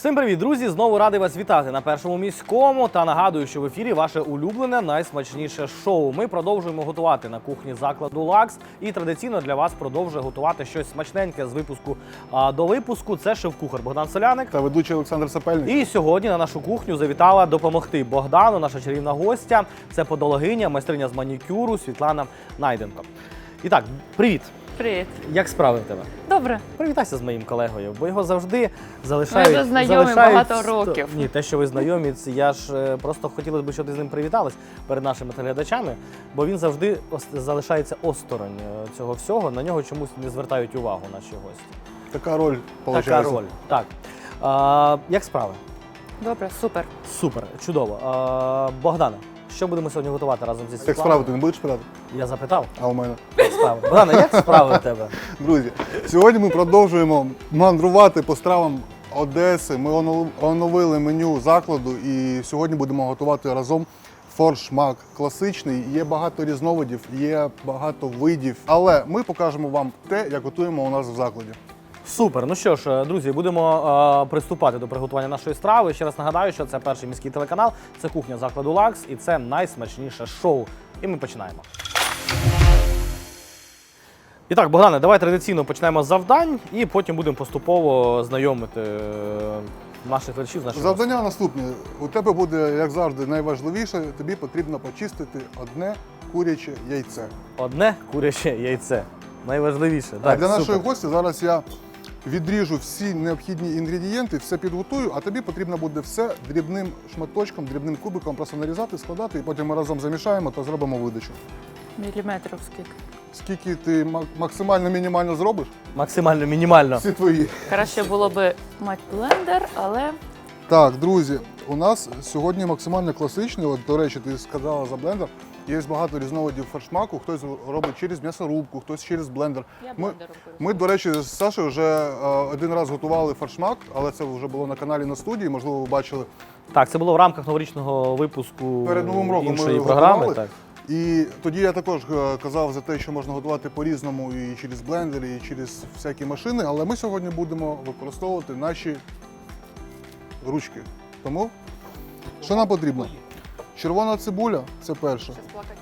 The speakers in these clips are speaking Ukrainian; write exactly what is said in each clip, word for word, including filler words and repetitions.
Всім привіт, друзі! Знову радий вас вітати на Першому міському та нагадую, що в ефірі ваше улюблене, найсмачніше шоу. Ми продовжуємо готувати на кухні закладу «Лакс» і традиційно для вас продовжує готувати щось смачненьке з випуску а, до випуску. Це шеф-кухар Богдан Соляник та ведучий Олександр Сапельник. І сьогодні на нашу кухню завітала допомогти Богдану, наша чарівна гостя. Це подологиня, майстриня з манікюру Світлана Найденко. І так, привіт! Привіт. Як справи в тебе? Добре. Привітайся з моїм колегою, бо його завжди залишають... Ми вже знайомі залишають... багато років. Ні, те, що ви знайомі, це я ж е, просто хотілося б, щоб ти з ним привіталась перед нашими телеглядачами, бо він завжди ос- залишається осторонь е, цього всього, на нього чомусь не звертають увагу наші гості. Така роль, виходить. Така роль, так. А, як справи? Добре, супер. Супер, чудово. А, Богдане, що будемо сьогодні готувати разом зі Як Світланою? справи, ти не будеш питати? Я запитав. А у мене? Як справи? Богдане, як справи в тебе? Друзі, сьогодні ми продовжуємо мандрувати по стравам Одеси. Ми оно- оновили меню закладу і сьогодні будемо готувати разом форшмак класичний. Є багато різновидів, є багато видів, але ми покажемо вам те, як готуємо у нас в закладі. Супер. Ну що ж, друзі, будемо е, приступати до приготування нашої страви. Ще раз нагадаю, що це перший міський телеканал, це кухня закладу «Лакс» і це найсмачніше шоу. І ми починаємо. І так, Богдане, давай традиційно почнемо з завдань і потім будемо поступово знайомити е, наших глядачів з нашими. Завдання наступне. У тебе буде, як завжди, найважливіше. Тобі потрібно почистити одне куряче яйце. Одне куряче яйце. Найважливіше. А Так, для супер. нашої гості зараз я відріжу всі необхідні інгредієнти, все підготую, а тобі потрібно буде все дрібним шматочком, дрібним кубиком просто нарізати, складати, і потім ми разом замішаємо та зробимо видачу. Міліметрів скільки. Скільки ти ма- максимально мінімально зробиш? Максимально, мінімально. Всі твої. Краще було би мати блендер, але Так, друзі, у нас сьогодні максимально класичний. От, до речі, ти сказала за блендер. Є багато різновидів фаршмаку, хтось робить через м'ясорубку, хтось через блендер. я Ми, блендером ми, до речі, з Сашею вже е, один раз готували фаршмак, але це вже було на каналі на студії, можливо, ви бачили. Так, це було в рамках новорічного випуску Перед Новим роком іншої ми програми. готували. Так. І тоді я також е, казав за те, що можна готувати по-різному і через блендери, і через всякі машини, але ми сьогодні будемо використовувати наші ручки. Тому, що нам потрібно? Червона цибуля – це перше.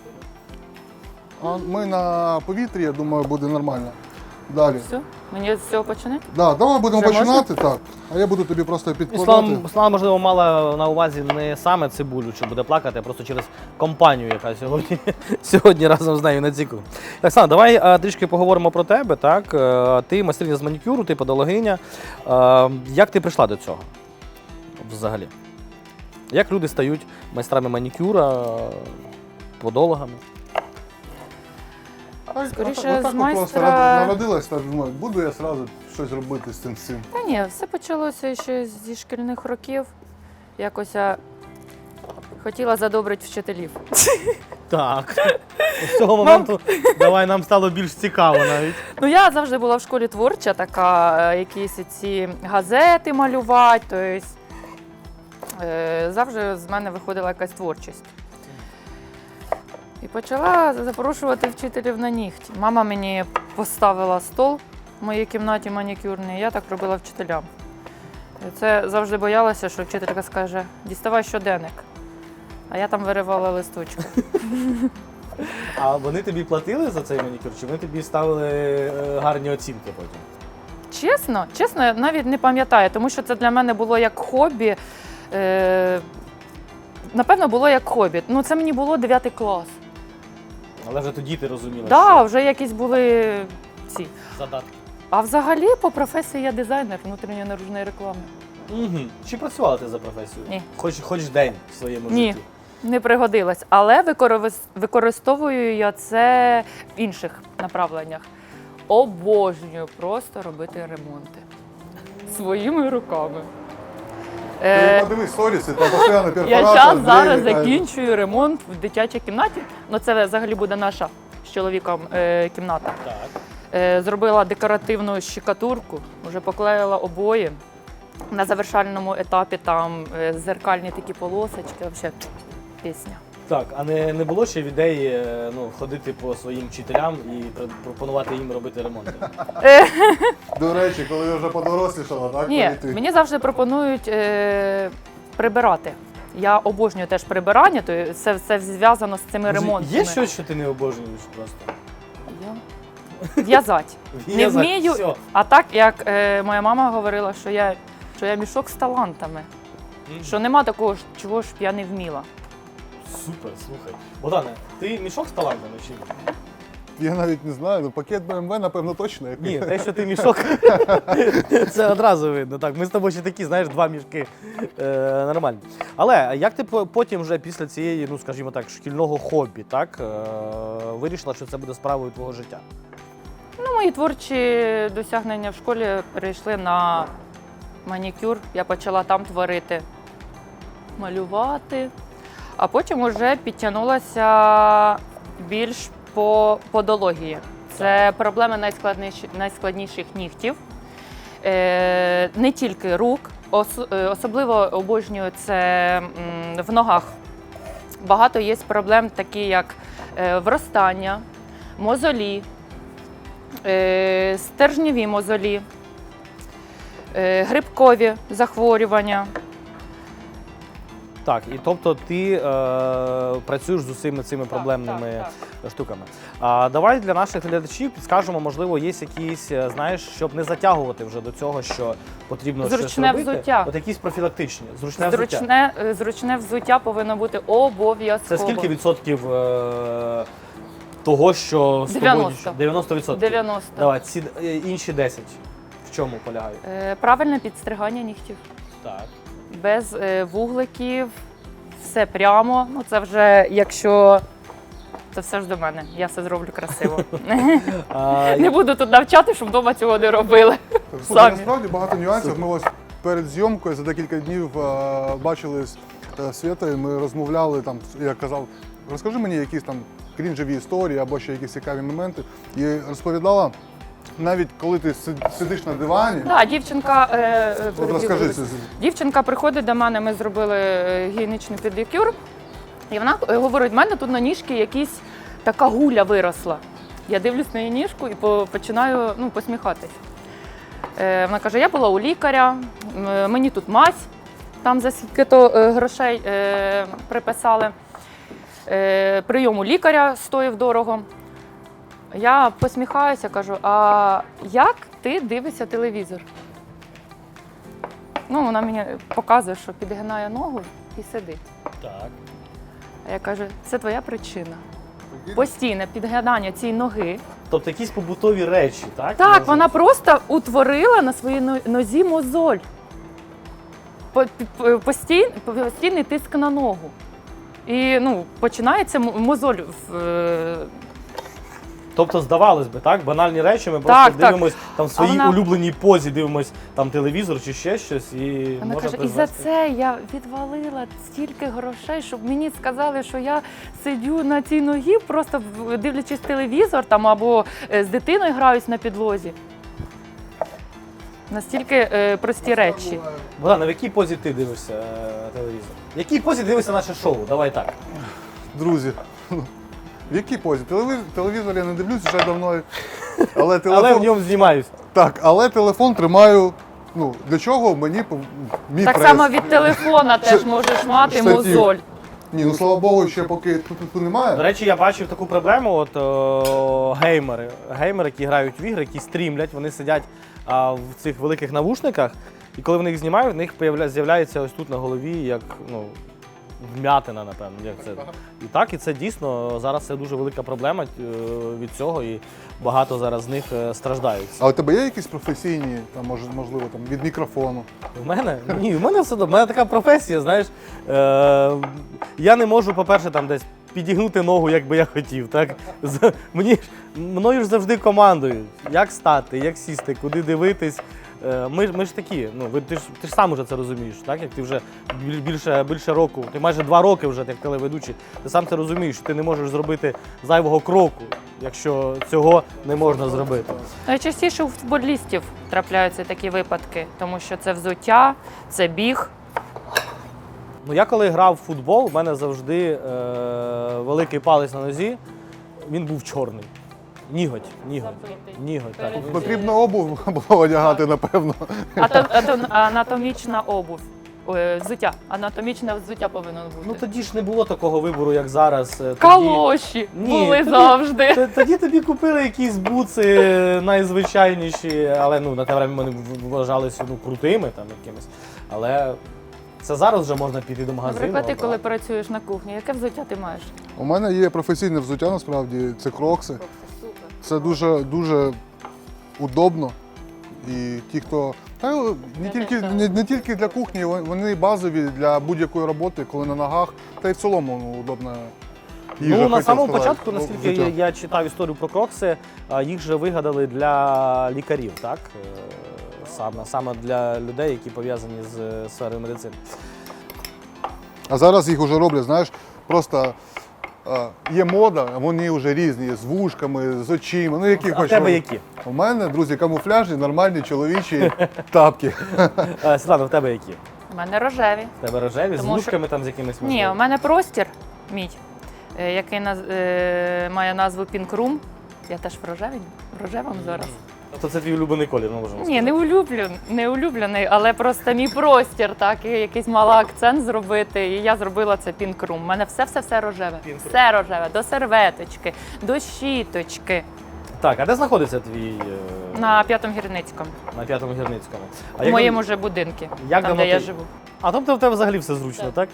А ми на повітрі, я думаю, буде нормально. Далі. все. Мені з цього починати? Да, давай будемо Вже починати, так. А я буду тобі просто підкладати. Слава, Слава, можливо, мала на увазі не саме цибулю, що буде плакати, а просто через компанію, яка сьогодні, сьогодні разом з нею на ці кухні. Так, Слава, давай а, трішки поговоримо про тебе. Так? Е, Ти майстриня з манікюру, ти подологиня. Е, Як ти прийшла до цього взагалі? Як люди стають майстрами манікюра, е, подологами? А, Скоріше, отак з от майстра- просто народилась, так думаю, буду я одразу щось робити з цим всім. Та ні, все почалося ще зі шкільних років. Якось я хотіла задобрити вчителів. Так. З цього моменту давай нам стало більш цікаво навіть. Ну, я завжди була в школі творча, така, е, якісь ці газети малювати, тобто е, завжди з мене виходила якась творчість. І почала запрошувати вчителів на нігті. Мама мені поставила стол в моїй кімнаті манікюрній, я так робила вчителям. І це завжди боялася, що вчителька скаже, діставай щоденник. А я там виривала листочки. А вони тобі платили за цей манікюр, чи вони тобі ставили е, гарні оцінки потім? Чесно, чесно, я навіть не пам'ятаю, тому що це для мене було як хобі. Е, напевно, було як хобі. Ну, це мені було дев'ятий клас. Але вже тоді ти розуміла, Так, да, що вже якісь були ці. задатки. А взагалі по професії я дизайнер внутрішньої наружної реклами. Угу. Чи працювала ти за професією? Ні. Хоч, хоч день в своєму Ні. житті? Не пригодилась, але використ- використовую я це в інших направленнях. Обожнюю просто робити ремонти своїми руками. Ти Е, подивись сторіси, там постійно перфорація. Я зараз, зараз двері, закінчую ремонт в дитячій кімнаті. Ну, це взагалі буде наша з чоловіком е, кімната. Так. Е, зробила декоративну щикатурку, вже поклеїла обої. На завершальному етапі там е, зеркальні такі полосочки. Взагалі, пісня. Так, а не, не було ще ідеї е, ну, ходити по своїм вчителям і пр- пропонувати їм робити ремонт? До речі, коли я вже подорослішала, так? Ні, перейти? мені завжди пропонують е, прибирати. Я обожнюю теж прибирання, то це все зв'язано з цими ремонтами. Є щось, що ти не обожнюєш просто? Я- В'язати. Не В'язати, вмію, всьо. а так, як е, моя мама говорила, що я, що я мішок з талантами. Мгм. Що нема такого, ж, чого ж б я не вміла. Супер, слухай. Богдане, ти мішок з талантами чи ні? Я навіть не знаю, ну пакет Б М В, напевно, точно. Як... Ні, те, що ти мішок, це одразу видно. Так, ми з тобою ще такі, знаєш, два мішки. Е, нормально. Але як ти по- потім вже після цієї, ну скажімо так, шкільного хобі, так, е, вирішила, що це буде справою твого життя? Ну, мої творчі досягнення в школі перейшли на манікюр. Я почала там творити, малювати, а потім вже підтягнулася більш по подології. Це проблеми найскладніші, найскладніших нігтів, е, не тільки рук, ос, е, особливо обожнюю це м, в ногах. Багато є проблем, такі як е, вростання, мозолі, е, стержневі мозолі, е, грибкові захворювання. Так, і тобто ти е, працюєш з усіма цими проблемними так, штуками. А давай для наших глядачів підскажемо, можливо, є якісь, е, знаєш, щоб не затягувати вже до цього, що потрібно щось Зручне робити. взуття. От якісь профілактичні, зручне, взуття. Зручне, е, зручне взуття повинно бути обов'язково. Це скільки відсотків е, того, що з тобою дев'яносто. дев'яносто відсотків? дев'яносто. Давай, ці е, інші десять. В чому полягають? Е, Правильне підстригання нігтів. Так. Без е, вугликів, все прямо. Ну, це вже якщо. Це все ж до мене. Я все зроблю красиво. А, Не буду тут навчати, щоб вдома цього не робили. Слухай, Самі. насправді багато нюансів. Ми ось перед зйомкою за декілька днів е, бачили з е, Світою, ми розмовляли там, я казав, розкажи мені якісь там крінжеві історії або ще якісь цікаві моменти. І розповідала, навіть коли ти си- сидиш на дивані, Так, дівчинка. е, е, от розкажи це. Дівчинка приходить до мене, ми зробили е, гігієнічний педикюр, і вона е, говорить, в мене тут на ніжці якась така гуля виросла. Я дивлюсь на її ніжку і по- починаю ну, посміхатись. Е, Вона каже, я була у лікаря, м, мені тут мазь, там за скільки-то е, грошей е, приписали. Е, Прийом у лікаря стоїв дорого. Я посміхаюся, кажу, а як ти дивишся телевізор? Ну, вона мені показує, що підгинає ногу і сидить. Так. А я кажу, це твоя причина. Постійне підгинання цієї ноги. Тобто якісь побутові речі, так? Так, Може? вона просто утворила на своїй но- нозі мозоль. По- пі- постій- Постійний тиск на ногу. І ну, починається м- мозоль. в, е, Тобто, здавалось би, так, банальні речі, ми Так, просто так. дивимось там в своїй вона- улюбленій позі, дивимось там телевізор чи ще щось, і Вона можна каже, і за призвести. це я відвалила стільки грошей, щоб мені сказали, що я сидю на цій ногі, просто в- дивлячись телевізор там або е, з дитиною граюсь на підлозі. Настільки е, прості речі. Богдан, а в якій позі ти дивишся е, телевізор? В якій позі дивишся наше шоу? Давай так. Друзі, в якій позі? Телевізор, телевізор я не дивлюсь вже давно. Але телефон, Але в ньому знімаюсь. так, але телефон тримаю. Ну, для чого мені пов- мій Так прес? само від телефона теж можеш мати штатів. мозоль. Ні, ну слава Богу, ще поки тут, тут немає. До речі, я бачив таку проблему, от о, геймери, геймери, які грають в ігри, які стрімлять, вони сидять а, в цих великих навушниках, і коли вони їх знімають, в них появля- з'являється ось тут на голові, як ну, вмятина, напевно. Як це. І так, і це дійсно зараз це дуже велика проблема е, від цього, і багато зараз з них е, страждають. А у тебе є якісь професійні, там, мож- можливо, там, від мікрофону? В мене? Ні, в мене все добре. В мене така професія, знаєш. Е, я не можу, по-перше, там десь підігнути ногу, як би я хотів. Так? З- Мені ж, мною ж завжди командують, як стати, як сісти, куди дивитись. Е, Ми, ж- ми ж такі, ну, ви, ти, ж, ти ж сам уже це розумієш, так? Як ти вже біль- більше, більше року, ти майже два роки вже як телеведучий, ти сам це розумієш, що ти не можеш зробити зайвого кроку, якщо цього не можна зробити. Найчастіше у футболістів трапляються такі випадки, тому що це взуття, це біг. Ну, я коли грав в футбол, в мене завжди е, великий палець на нозі, він був чорний. Ніготь, ніготь, Забитий. ніготь, так. Перед- Потрібно обув було одягати, напевно. Ато- ато- Анатомічна обув. Ой, взуття. Анатомічне взуття повинно бути. Ну тоді ж не було такого вибору, як зараз. Е, Тоді, Калоші Ні, були тоді- завжди. Т- тоді тобі купили якісь буци найзвичайніші, але ну, на те время вони в- вважалися ну, крутими там якимись. Але це зараз вже можна піти до магазину. Наприклад, ти а, коли працюєш на кухні, яке взуття ти маєш? У мене є професійне взуття, насправді, це крокси. Супер. Це дуже дуже удобно. І ті, хто. Та не Я тільки, теж не, не тільки для кухні, вони базові для будь-якої роботи, коли на ногах, та й в цілому ну, удобна їжа. Ну, на хотів самому сказати. початку, Ну, наскільки взуття. я, я читав історію про крокси, а, їх же вигадали для лікарів, так? Е, Саме, саме для людей, які пов'язані з е, сферою медицини. А зараз їх вже роблять, знаєш, просто е, є мода, вони вже різні, з вушками, з очима. Ну, які А в хоч тебе роблять. які? У мене, друзі, камуфляжні, нормальні чоловічі тапки. Е, Світлана, в тебе які? У мене рожеві. В тебе рожеві, з Тому що- вушками там з якимись Ні, можливо? у мене простір мій, е, який наз- е, має назву Pink Room. Я теж в рожевій, в рожевому зараз. Тобто це твій улюблений колір, ми можемо Ні, не улюблений, не улюблений, але просто мій простір, так, і якийсь мала акцент зробити. І я зробила це Pink Room. У мене все-все-все рожеве. Pink Room. Все рожеве, до серветочки, до щіточки. Так, а де знаходиться твій е, На п'ятому гірницькому. на п'ятому гірницькому? А У як моєму дав- же будинку, як там, давно де я ти- живу. А тобто в тебе взагалі все зручно, так?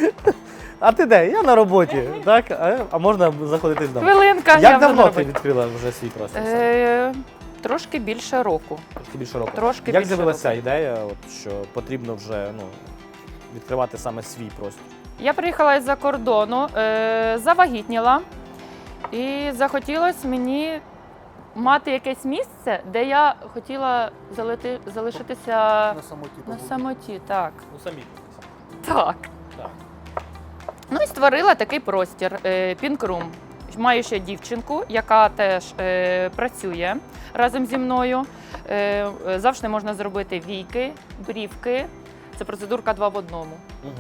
А ти де? Я на роботі, так? А, а можна заходити з дому. Хвилинка, я Як вже давно на ти роботі. відкрила вже свій простір? Е, Трошки більше року. Трошки більше року. Трошки Як більше з'явилася ідея, от, що потрібно вже ну, відкривати саме свій простір? Я приїхала із-за кордону, е, завагітніла, і захотілося мені мати якесь місце, де я хотіла залити, залишитися На самоті. на самоті. Так. Ну самі. Так. Так. Ну і створила такий простір е, Pink Room. Маю ще дівчинку, яка теж е, працює разом зі мною. Е, е, завжди можна зробити війки, брівки. Це процедурка два в одному. Угу.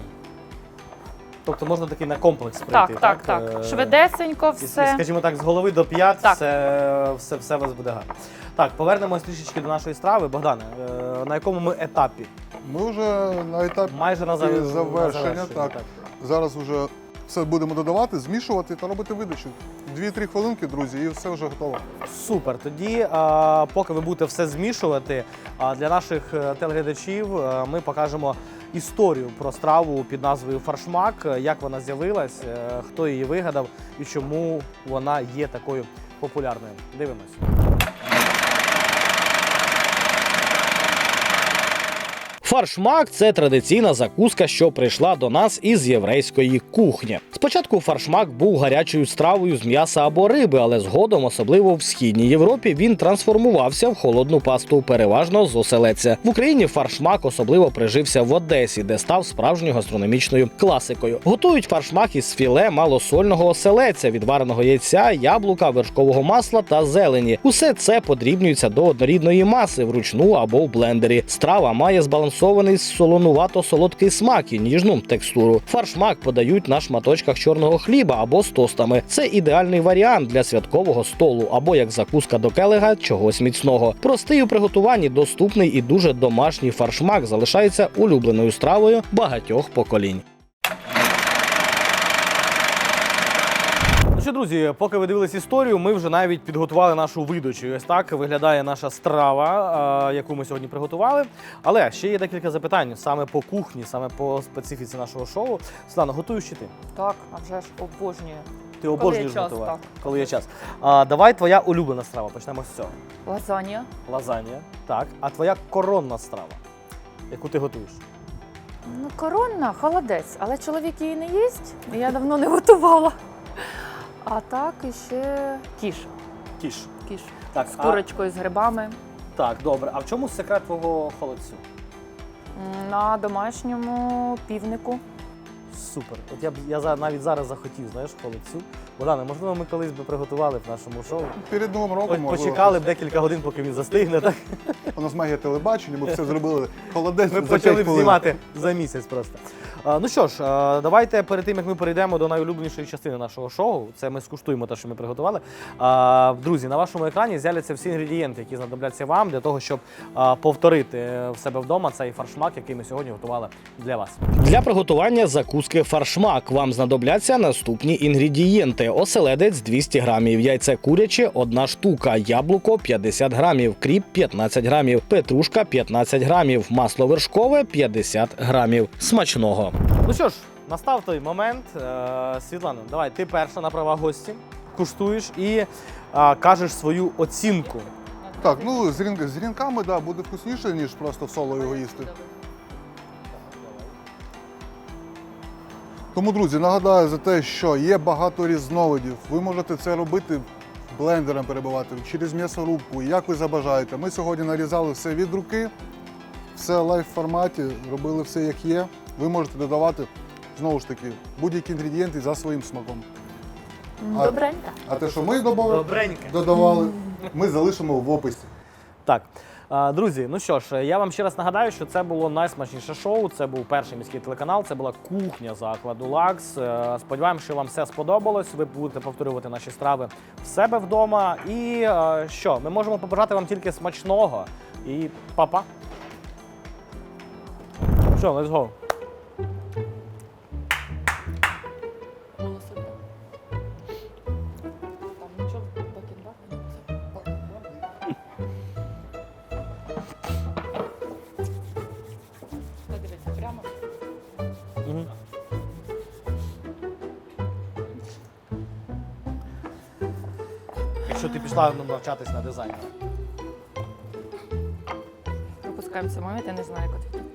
Тобто можна такий на комплекс прийти, Так, так, так. Е, Швидесенько і- і, все. Скажімо так, з голови до п'ят Так. все, все, все у вас буде гарно. Так, повернемось трішечки до нашої страви. Богдане, е, на якому ми етапі? Ми вже на етапі Майже на, зав- завершення, на завершенні, так. Зараз вже все будемо додавати, змішувати та робити видачу. Дві-три хвилинки, друзі, і все вже готово. Супер. Тоді, а, поки ви будете все змішувати, а, для наших е, телеглядачів е, ми покажемо історію про страву під назвою фаршмак, е, як вона з'явилась, е, хто її вигадав і чому вона є такою популярною. Дивимось. Фаршмак – це традиційна закуска, що прийшла до нас із єврейської кухні. Спочатку фаршмак був гарячою стравою з м'яса або риби, але згодом, особливо в Східній Європі, він трансформувався в холодну пасту, переважно з оселедця. В Україні фаршмак особливо прижився в Одесі, де став справжньою гастрономічною класикою. Готують фаршмак із філе малосольного оселедця, відвареного яйця, яблука, вершкового масла та зелені. Усе це подрібнюється до однорідної маси вручну або в блендері. Страва має збалансований солонувато-солодкий смак і ніжну текстуру. Фаршмак подають на шматочках чорного хліба або з тостами. Це ідеальний варіант для святкового столу або як закуска до келега чогось міцного. Простий у приготуванні, доступний і дуже домашній фаршмак залишається улюбленою стравою багатьох поколінь. Ну що, друзі, поки ви дивились історію, ми вже навіть підготували нашу видачу. І ось так виглядає наша страва, а, яку ми сьогодні приготували. Але ще є декілька запитань саме по кухні, саме по специфіці нашого шоу. Світлана, готуєш чи ти? Так, а вже ж обожнюю. Ти обожнюєш є час, готувати, так. коли є час. А, давай твоя улюблена страва. Почнемо з цього. Лазанья. Лазанья. Так. А твоя коронна страва, яку ти готуєш? Ну, коронна, холодець, але чоловік її не їсть, і я давно не готувала. А так іще кіш. Кіш. Кіш. Так, З а- курочкою, з грибами. Так, добре. А в чому секрет твого холодцю? М, На домашньому півнику. Супер. От я б я за- навіть зараз захотів, знаєш, холодцю. Богдане, можливо, ми колись би приготували в нашому шоу. Перед Новим роком, Ось можливо, почекали б декілька годин, поки він застигне. Так? у нас магія телебачення, ми все зробили холодець Ми за почали п'ять б хвилин. знімати за місяць просто. А, ну що ж, а, давайте перед тим, як ми перейдемо до найулюбленішої частини нашого шоу, це ми скуштуємо те, що ми приготували. А, друзі, на вашому екрані з'являться всі інгредієнти, які знадобляться вам для того, щоб а, повторити в себе вдома цей фаршмак, який ми сьогодні готували для вас. Для приготування закуски фаршмак вам знадобляться наступні інгредієнти: оселедець двісті грамів, яйце куряче одна штука, яблуко п'ятдесят грамів, кріп п'ятнадцять грамів, петрушка п'ятнадцять грамів, масло вершкове п'ятдесят грамів. Смачного! Ну що ж, настав той момент. Е, Світлана, давай, ти перша на права гості, куштуєш і е, кажеш свою оцінку. Так, ну з, рін... з рінками да, буде вкусніше, ніж просто в соло його їсти. Тому, друзі, нагадаю за те, що є багато різновидів. Ви можете це робити блендером перебивати, через м'ясорубку, як ви забажаєте. Ми сьогодні нарізали все від руки, все в лайв-форматі, робили все як є. Ви можете додавати, знову ж таки, будь-які інгредієнти за своїм смаком. А- Добренько. А те, що ми додавали, Добренько. додавали, ми залишимо в описі. Так, а, друзі, ну що ж, я вам ще раз нагадаю, що це було найсмачніше шоу. Це був перший міський телеканал, це була кухня закладу Лакс. Е, Сподіваємося, що вам все сподобалось. Ви будете повторювати наші страви в себе вдома. І е, що, ми можемо побажати вам тільки смачного. І па-па. Що, let's go. Мгм. Якщо ти пішла навчатись на дизайнера. Пропускаємо цей момент, я не знаю, як це.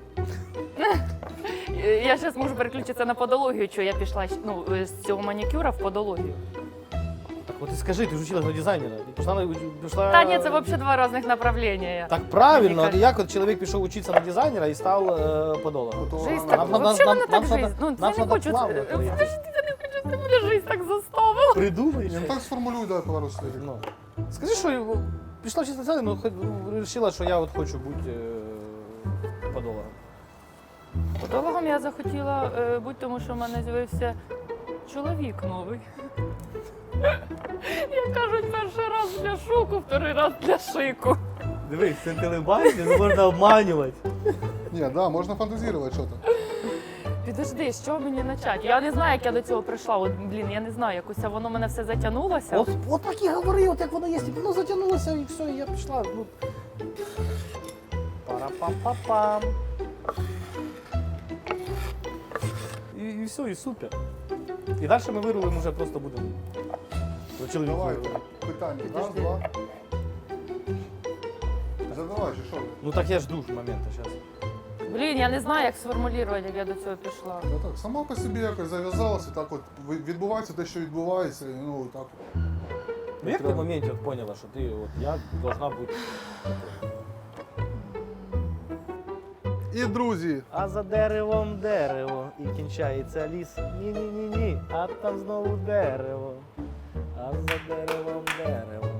Я зараз можу переключитися на подологію, що я пішла ну, з цього манікюра в подологію. Так от і скажи, ти ж училась на дизайнера. Ти пішла на пішла... Та ні, це взагалі два різних направлення. Так правильно, Мені як от чоловік пішов учитися на дизайнера і став е, подолом. Жизнь Нам- так, нам- нам- взагалі нам- мене нам так надо- жизнь. Ну, нам я не надо хочу, плавно це- поїхати. подожди, я не хочу, щоб мене жизнь так заставила. Придумай. Ну так сформулюй, дай пару слів. Ну. Скажи, що пішла вчитися на дизайнер, ну хоч вирішила, що я от хочу бути е, подолом. Подологом я захотіла е, бути, тому що в мене з'явився чоловік новий. Як кажуть, перший раз для шуку, вторий раз для шику. Дивись, це телебачення, не можна обманювати. Ні, да, можна фантазувати, що там. Підожди, з чого мені почати? Я не знаю, як я до цього прийшла. От, блін, я не знаю, якось воно мене все затягнулося. От, от так і говори, от як воно є, воно затягнулося і все, і я пішла. Ну. Пара-пам-пам-пам. І, і все, і супер. І далі ми вирулимо вже просто будемо. До чоловіка. Давай, питання. Раз, Підожди. два. Задавай, чи що? Ну так я жду ж моменту зараз. Блін, я не знаю, як сформулювати, як я до цього пішла. Ну так, сама по собі якось зав'язалася, так от ви- відбувається те, що відбувається, і ну так. Ну як ти в моменті от поняла, що ти от я должна бути. І друзі, А за деревом дерево і кінчається ліс. Ні-ні-ні-ні, а там знову дерево. А за деревом дерево.